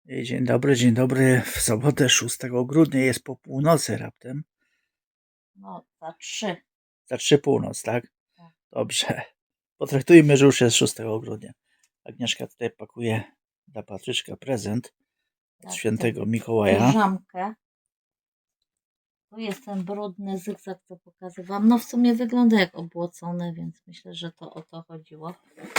Dzień dobry. W sobotę 6 grudnia jest po północy raptem. No, za 3. Za 3 północ, tak? Tak. Dobrze. Potraktujmy, że już jest 6 grudnia. Agnieszka tutaj pakuje dla Patryczka prezent od Tak, świętego Mikołaja. Piżamkę. Tu jest ten brudny zygzak, co pokazywałam. No w sumie wygląda jak obłocone, więc myślę, że to o to chodziło.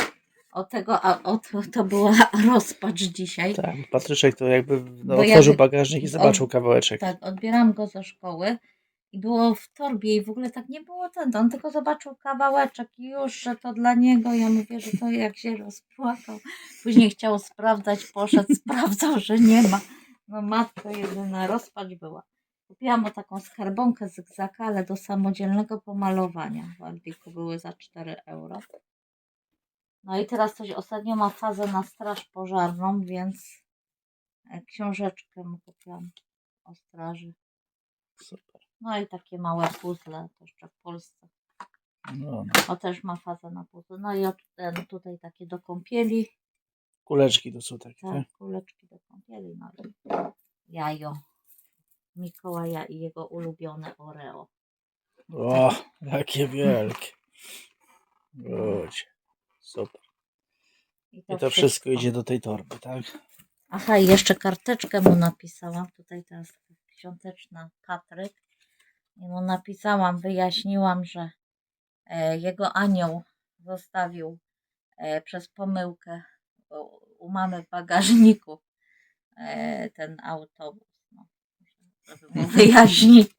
To była rozpacz dzisiaj. Tak, Patryczek to jakby Bo otworzył bagażnik i zobaczył kawałeczek. Tak, odbieram go ze szkoły i było w torbie i w ogóle tak nie było on tylko zobaczył kawałeczek i już, że to dla niego. Ja mówię, że to jak się rozpłakał. Później chciał sprawdzać, poszedł, sprawdzał, że nie ma. No matko jedyna, rozpacz była. Kupiłam mu taką skarbonkę zygzaka, ale do samodzielnego pomalowania. W Aldiku były za 4 euro. No i teraz coś ostatnio ma fazę na straż pożarną, więc książeczkę mu kupiłam o straży. Super. No i takie małe puzzle, to jeszcze w Polsce. No. O, też ma fazę na puzzle. No i tutaj takie do kąpieli. Kuleczki to są takie, tak? Tak, kuleczki do kąpieli. No i jajo Mikołaja i jego ulubione Oreo. O, jakie wielkie. Chodź. Super. I to wszystko idzie do tej torby, tak? Aha, i jeszcze karteczkę mu napisałam. Tutaj teraz świąteczna Patryk. I mu napisałam, wyjaśniłam, że jego anioł zostawił przez pomyłkę u mamy w bagażniku ten autobus. No, żeby mu wyjaśnić.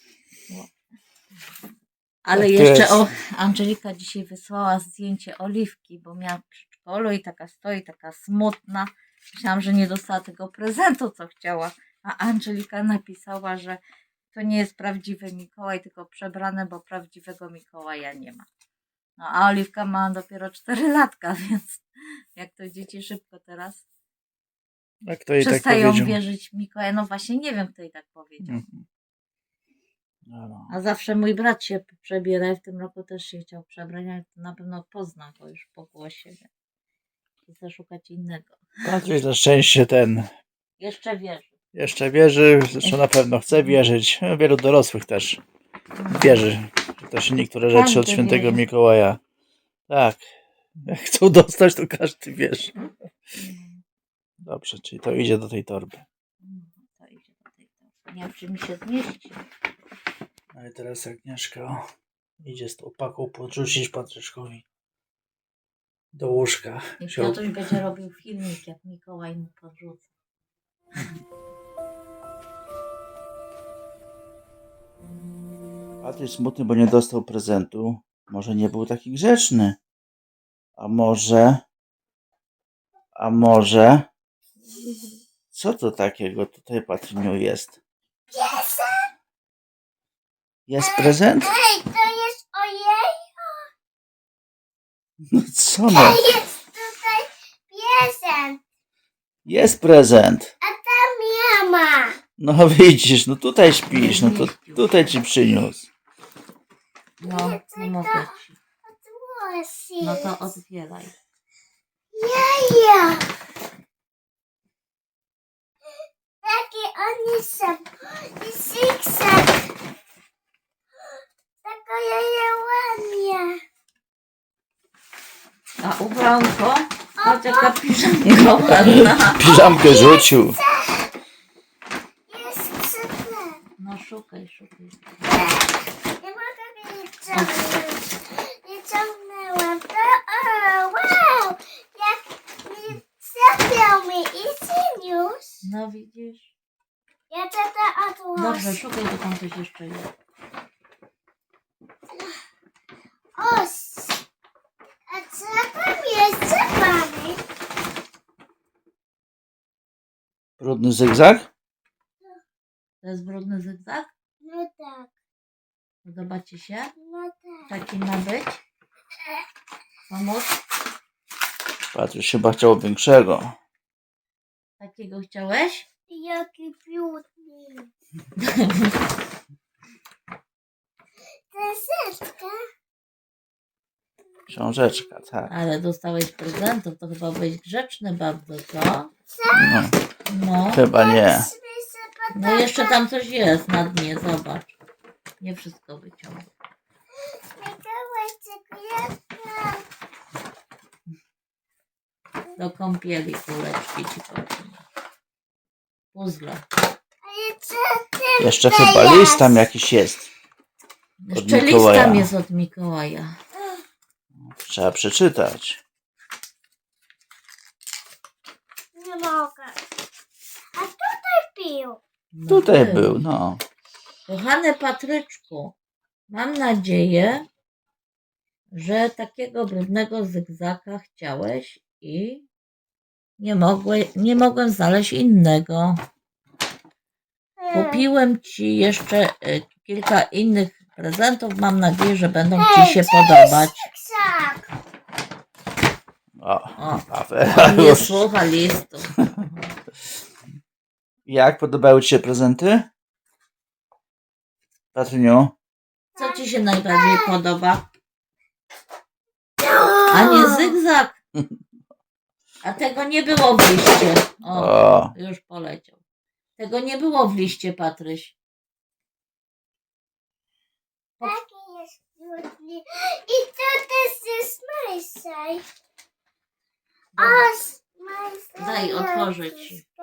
Ale tak jeszcze Angelika dzisiaj wysłała zdjęcie Oliwki, bo miała w przedszkolu i taka stoi, taka smutna. Myślałam, że nie dostała tego prezentu, co chciała. A Angelika napisała, że to nie jest prawdziwy Mikołaj, tylko przebrane, bo prawdziwego Mikołaja nie ma. No a Oliwka ma dopiero 4 latka, więc jak to dzieci szybko teraz przestają tak wierzyć w Mikołaja. No właśnie nie wiem, kto jej tak powiedział. A zawsze mój brat się przebiera i w tym roku też się chciał przebrać, ale to na pewno pozna go już po głosie. Chcę szukać innego. Patryk na szczęście Jeszcze wierzy, zresztą na pewno chce wierzyć. Wielu dorosłych też wierzy. Też niektóre rzeczy od świętego Mikołaja. Tak. Jak chcą dostać, to każdy wierzy. Dobrze, czyli to idzie do tej torby. To idzie do tej torby. Nie wiem, czy mi się zmieści. No i teraz Agnieszka idzie z tą paką podrzucić Patryczkowi do łóżka. I Piotruś będzie robił filmik, jak Mikołaj mu podrzuca. Patryk smutny, bo nie dostał prezentu. Może nie był taki grzeczny. A może... Co to takiego tutaj, Patryniu, jest? Jest prezent? Ej, to jest ojej. No co no? Jest tutaj prezent. Jest prezent. A tam nie ma. No widzisz, no tutaj śpisz, no to tutaj ci przyniósł. No, nie mogę ci. No to otwieraj. Jaja. Takie oni są. I zigzag. Taka jaja ładnie. A ubranko? Patrz jaka piżamka ładna. Piżamkę rzucił. Jest super. No szukaj. Nie mogę mnie ciągnąć. Nie ciągnęłam. To wow. Jak mi zapiął mi i przyniósł. No widzisz. Ja to odłożę. Dobrze, szukaj, to tam coś jeszcze jest. Os. A co tam jest za mamy? Brudny zygzak? To jest brudny zygzak? No tak. Podoba ci się? No tak. Taki ma być? Pomóc? Patryk chyba chciał większego. Takiego chciałeś? Jaki piękny. Książeczka. Książeczka, tak. Ale dostałeś prezentów, to chyba byłeś grzeczny bardzo, co? No, No, chyba nie. no jeszcze tam coś jest na dnie, zobacz. Nie wszystko wyciągnę. Mikołaj czekolada. Do kąpieli kuleczki ci powiem. Puzzle. Ale co ty Jeszcze chyba list tam jakiś jest. Jeszcze list Mikołaja. tam jest od Mikołaja. Trzeba przeczytać. Nie mogę. A tutaj pił. No Tutaj był, no. Kochany Patryczku, mam nadzieję, że takiego brudnego zygzaka chciałeś i nie mogłem znaleźć innego. Kupiłem ci jeszcze kilka innych prezentów. Mam nadzieję, że będą ci się podobać. Krzak. O, O, afera on nie już. słucha listu. Jak podobały ci się prezenty? Patryniu? Co ci się najbardziej podoba? A nie zygzak. A tego nie było w liście. O, O, już poleciał. Tego nie było w liście, Patryś. Taki jest brudny. I to też jest majsaj. O, majsaj. Daj, otworzę ci.